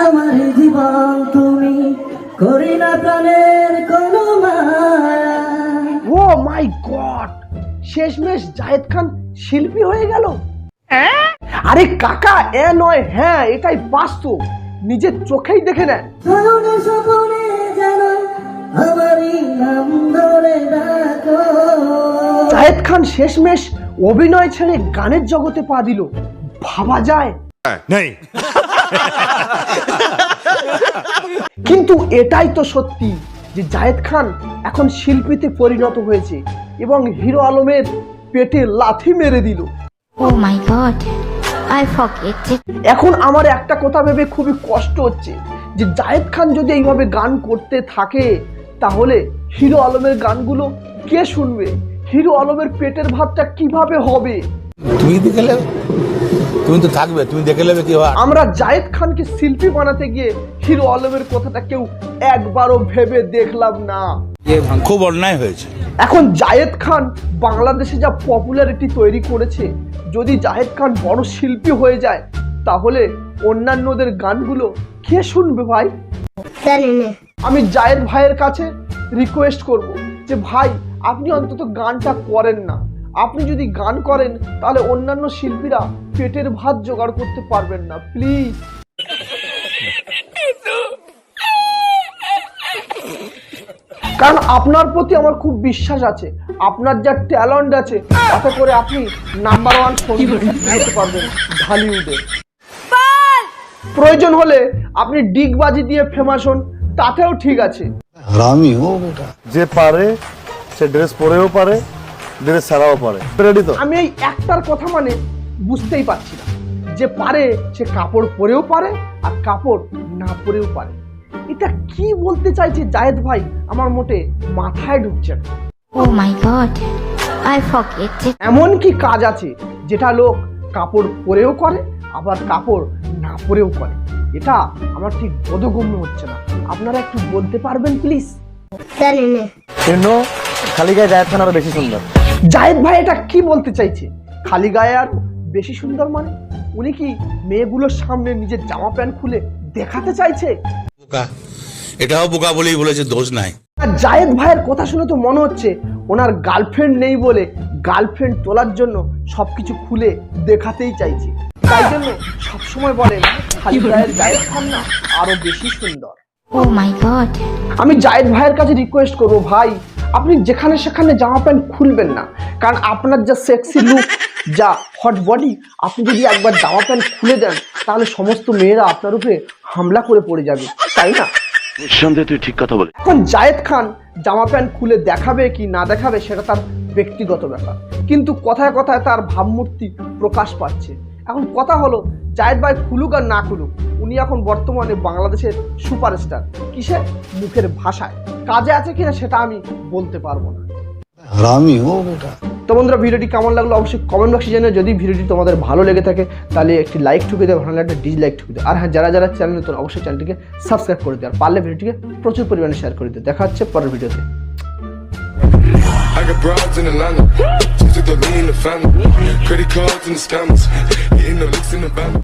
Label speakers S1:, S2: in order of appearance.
S1: আমার জীবন তুমি, করি না প্রাণের কোনো মায়া।
S2: ও মাই গড, শেষমেশ জায়েদ খান শিল্পী হয়ে গেল। আরে কাকা, এ নয় হ্যাঁ, এটাই বাস্তব, নিজের চোখেই দেখে নেন।
S1: স্বপ্নে স্বপ্নে যেন আমারই নাম ধরে ডাকো।
S2: জায়েদ খান শেষমেশ অভিনয় ছেড়ে গানের জগতে পা দিল, ভাবা যায়? কিন্তু এটাই তো সত্যি যে জায়েদ খান এখন শিল্পীতে পরিণত হয়েছে এবং হিরো আলমের পেটে লাথি মেরে দিল।
S3: Oh my god, I forget it.
S2: এখন আমার একটা কথা ভেবে খুবই কষ্ট হচ্ছে যে জায়েদ খান যদি এইভাবে গান করতে থাকে তাহলে হিরো আলমের গানগুলো কে শুনবে? হিরো আলমের পেটের ভাতটা কিভাবে হবে?
S4: তুমি দেখে নেবে, তুমি তো থাকবে, তুমি দেখে নেবে কি হয়।
S2: আমরা জায়েদ খানকে শিল্পী বানাতে গিয়ে হিরো আলমের কথাটা কেউ একবারও ভেবে দেখলাম না।
S4: খুব অন্যায় হয়েছে।
S2: এখন জায়েদ খান বাংলাদেশে যা পপুলারিটি তৈরি করেছে, যদি জায়েদ খান বড় শিল্পী হয়ে যায় তাহলে অন্যান্যদের গানগুলো কে শুনবে ভাই? আমি জায়েদ ভাইয়ের কাছে রিকোয়েস্ট করব যে ভাই, আপনি অন্তত গানটা করেন না। আপনি যদি গান করেন তাহলে অন্যান্য শিল্পীরা পেটের ভাত জোগাড় করতে পারবেন না, প্লিজ। কারণ আপনার প্রতি আমার খুব বিশ্বাস আছে, আপনার যা ট্যালেন্ট আছে তাতে করে আপনি নাম্বার 1 সঙ্গীত হতে পারবেন ঢালিউডে। প্রয়োজন হলে আপনি ডিগবাজি দিয়ে ফেমাস হন, তাতেও ঠিক আছে।
S4: হারামি হো বেটা।
S5: যে পারে সে ড্রেস পরেও পারে, ড্রেস ছাড়াও পারে। রেডি তো?
S2: আমি এই একটার কথা মানে বুঝতেই পারছি না, যে পারে সে কাপড় পরেও পারে আর কাপড় না পরেও পারে। এটা কি বলতে চাইছে জায়েদ ভাই আমার মোটে মাথায় ঢুকছে না।
S3: Oh my god, I forget it.
S2: এমন কি কাজ আছে যেটা লোক কাপড় পরেও করে আবার কাপড় না পরেও করে? এটা আমার ঠিক বোধগম্য হচ্ছে না। আপনারা একটু বলতে পারবেন প্লিজ?
S5: কেন খালি গায়ে জায়েদ খান আরো বেশি সুন্দর?
S2: জায়েদ ভাই এটা কি বলতে চাইছে? খালি গায়ে আর বেশি সুন্দর মানে উনি কি মেয়েগুলোর সামনে নিজের জামা প্যান্ট খুলে দেখাতে চাইছে?
S4: বোকা, এটাও বোকা বলেই বলেছে, দোষ নাই।
S2: আর জায়েদ ভাইয়ের কথা শুনে তো মনে হচ্ছে ওনার গার্লফ্রেন্ড নেই বলে গার্লফ্রেন্ড তোলার জন্য সবকিছু খুলে দেখাতেই চাইছে। তাই জন্য সবসময় বলেন খালি গায়ের জায়েদ খান না আরো বেশি সুন্দর।
S3: Oh my god.
S2: আমি জায়েদ ভাইয়ের কাছে রিকোয়েস্ট করবো, ভাই আপনি যেখানে সেখানে জামা প্যান্ট খুলবেন না। কারণ আপনার যা সেক্সি লুক, যা হট বডি, আপনি যদি একবার জামা প্যান্ট খুলে দেন তাহলে সমস্ত মেয়েরা আপনার উপরে হামলা করে পড়ে যাবে, তাই না?
S6: নিঃসন্দেহে তুই ঠিক কথা বলে।
S2: এখন জায়েদ খান জামা প্যান্ট খুলে দেখাবে কি না দেখাবে সেটা তার ব্যক্তিগত ব্যাপার, কিন্তু কথায় কথায় তার ভাবমূর্তি প্রকাশ পাচ্ছে। এখন কথা হলো জায়েদ ভাই খুলুক আর না খুলুক, উনি এখন বর্তমানে বাংলাদেশের সুপারস্টার। কিসে? মুখের ভাষায়। কাজে আছে কিনা সেটা আমি বলতে পারবো না।
S4: হারামি হো বেটা।
S2: তো বন্ধুরা, ভিডিওটি কেমন লাগলো অবশ্যই কমেন্ট বক্সে জানিয়ে। যদি ভিডিওটি তোমাদের ভালো লেগে থাকে তাহলে একটি লাইক ঠুকে দেয়, ভালো লাগলে একটা ডিসলাইক ঠুকে দেয়। আর হ্যাঁ, যারা যারা চ্যানেল নতুন অবশ্যই চ্যানেলটিকে সাবস্ক্রাইব করে দেয়, আর পারলে ভিডিওটিকে প্রচুর পরিমাণে শেয়ার করে দিও। দেখা হচ্ছে পরের ভিডিওতে।
S7: I got broads in Atlanta, just took the lean in the family, credit cards and the scammers, hitting the licks in the van.